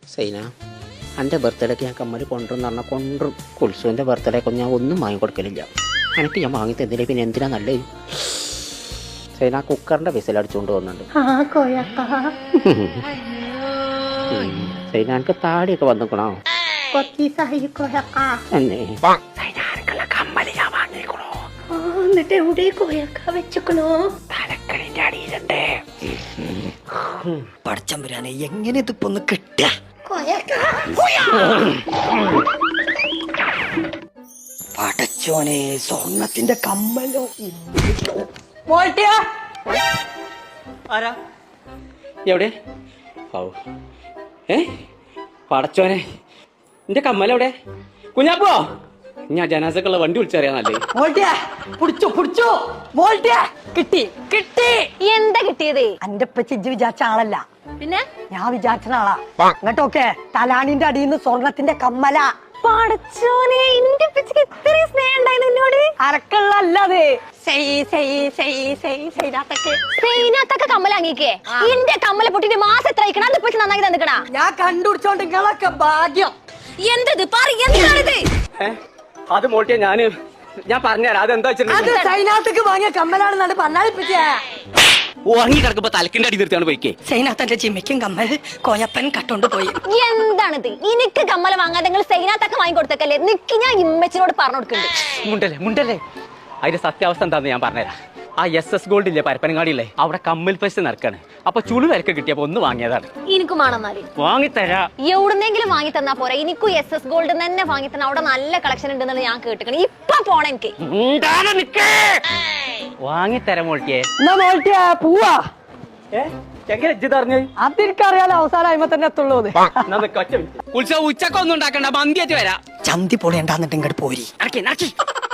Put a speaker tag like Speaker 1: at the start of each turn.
Speaker 1: സൈന എൻ്റെ ബർത്ത്ഡേക്ക് ഞാൻ കമ്മല് കൊണ്ടുവന്ന് പറഞ്ഞാൽ കൊണ്ടും കുൽസുവിൻ്റെ ബർത്ത്ഡേക്ക് ഞാൻ ഒന്നും വാങ്ങി കൊടുക്കലില്ല. എനിക്ക് ഞാൻ വാങ്ങി തന്നില്ലേ പിന്നെ എന്തിനാ നല്ലത്? സൈന കുക്കറിൻ്റെ വിസിലടിച്ചുകൊണ്ട് പോകുന്നുണ്ട്. സൈന എനിക്ക് താടിയൊക്കെ വന്നിക്കണോ? കമ്മല് ഞാൻ വാങ്ങിക്കണോ?
Speaker 2: എന്നിട്ട് എവിടെ കോയക്ക വെച്ചക്കണോ?
Speaker 1: തലക്കണിൻ്റെ അടിയിലുണ്ട്.
Speaker 3: പടച്ചമ്പുരാനെ എങ്ങനെ ഇതിപ്പോ ഒന്ന് കിട്ടുക? പടച്ചോനെ സ്വർണത്തിന്റെ കമ്മലോ.
Speaker 1: ആരാ എവിടെ? പടച്ചോനെ എന്റെ കമ്മലെവിടെ? കുഞ്ഞാപ്പോ ഞാൻ ജനാസക്കുള്ള വണ്ടി വിളിച്ചറിയാന്നല്ലേ.
Speaker 3: കിട്ടി കിട്ടി.
Speaker 2: എന്താ കിട്ടിയത്?
Speaker 3: എന്റെ ഇജ്ജ് വിചാരിച്ച ആളല്ല,
Speaker 2: പിന്നെ
Speaker 3: ഞാൻ വിചാരിച്ച ആളാ. അങ്ങോട്ടൊക്കെ തലാണിന്റെ അടിയിൽ നിന്ന് സ്വർണത്തിന്റെ കമ്മല.
Speaker 2: പടച്ചോനെ എന്റെ പിച്ചക്ക് ഇത്രയും സ്നേഹം ഉണ്ടായിരുന്നു എന്നോട്.
Speaker 3: അരക്കള്ളല്ലേ
Speaker 2: സൈനാത്തൊക്കെ കമ്മലാങ്ങിക്കേ. എന്റെ കമ്മല പൊട്ടിട്ട് മാസം എത്ര അയക്കണം? അത് ഇപ്പൊ നന്നാക്കി തന്നിക്കണ.
Speaker 3: ഞാൻ കണ്ടുപിടിച്ചോണ്ട് നിങ്ങളൊക്കെ ഭാഗ്യം.
Speaker 2: എന്തത് എന്താണിത്?
Speaker 1: അത് മോട്ടിയ ഞാൻ പറഞ്ഞുതരാം. അതെന്താ
Speaker 3: അത് സൈനാത്തേക്ക് വാങ്ങിയ കമ്മലാണെന്നാണ് പറഞ്ഞാൽ.
Speaker 1: ഉറങ്ങി കിടക്കുമ്പോ തലക്കിന്റെ അടി നിർത്തിയാണ് പോയിക്കേ.
Speaker 3: സൈനാത്തന്റെ ജിമ്മയ്ക്കും കമ്മൽ കോയപ്പൻ കട്ടോണ്ട് പോയി.
Speaker 2: എന്താണിത്? എനിക്ക് കമ്മല വാങ്ങാതെ നിങ്ങൾ സൈനാത്തൊക്കെ വാങ്ങി കൊടുത്തേക്കല്ലേ? നിക്ക് ഞാൻ ഇമ്മച്ചിനോട് പറഞ്ഞു കൊടുക്കുന്നുണ്ട്.
Speaker 1: മുണ്ടല്ലേ അതിന്റെ സത്യാവസ്ഥ എന്താന്ന് ഞാൻ പറഞ്ഞുതരാം. ആ SS ഗോൾഡ് ഇല്ലേ പരപ്പനങ്ങാടിയില്ലേ, അവിടെ കമ്മൽ പൈസ നടക്കാണ്. അപ്പൊ ചുളു വിലക്ക് കിട്ടിയപ്പോ ഒന്ന് വാങ്ങിയതാണ്.
Speaker 2: എനിക്കും വേണമെന്നാല്
Speaker 1: വാങ്ങിത്തരാ.
Speaker 2: എവിടുന്നെങ്കിലും വാങ്ങി തന്നാ പോരാ? എനിക്കും SS ഗോൾഡ് തന്നെ വാങ്ങി തന്ന. അവിടെ നല്ല കളക്ഷൻ ഉണ്ടെന്ന് ഞാൻ കേട്ടിക്കണം. ഇപ്പൊ പോണ എനിക്ക്
Speaker 1: വാങ്ങിത്തരാം മോട്ടിയെ.
Speaker 3: പോവാ.
Speaker 1: എങ്ങനെ ഇജ്ജ്
Speaker 3: അതെനിക്കറിയാലോ, അവസാനം അയിമ തന്നെ എത്തുള്ളൂ.
Speaker 1: ഉച്ചക്കൊന്നും ഉണ്ടാക്കണ്ട, മന്തിയായിട്ട് വരാം.
Speaker 3: ചന്തി പൊളിയണ്ടാന്നിട്ട് ഇങ്ങോട്ട് പോരി.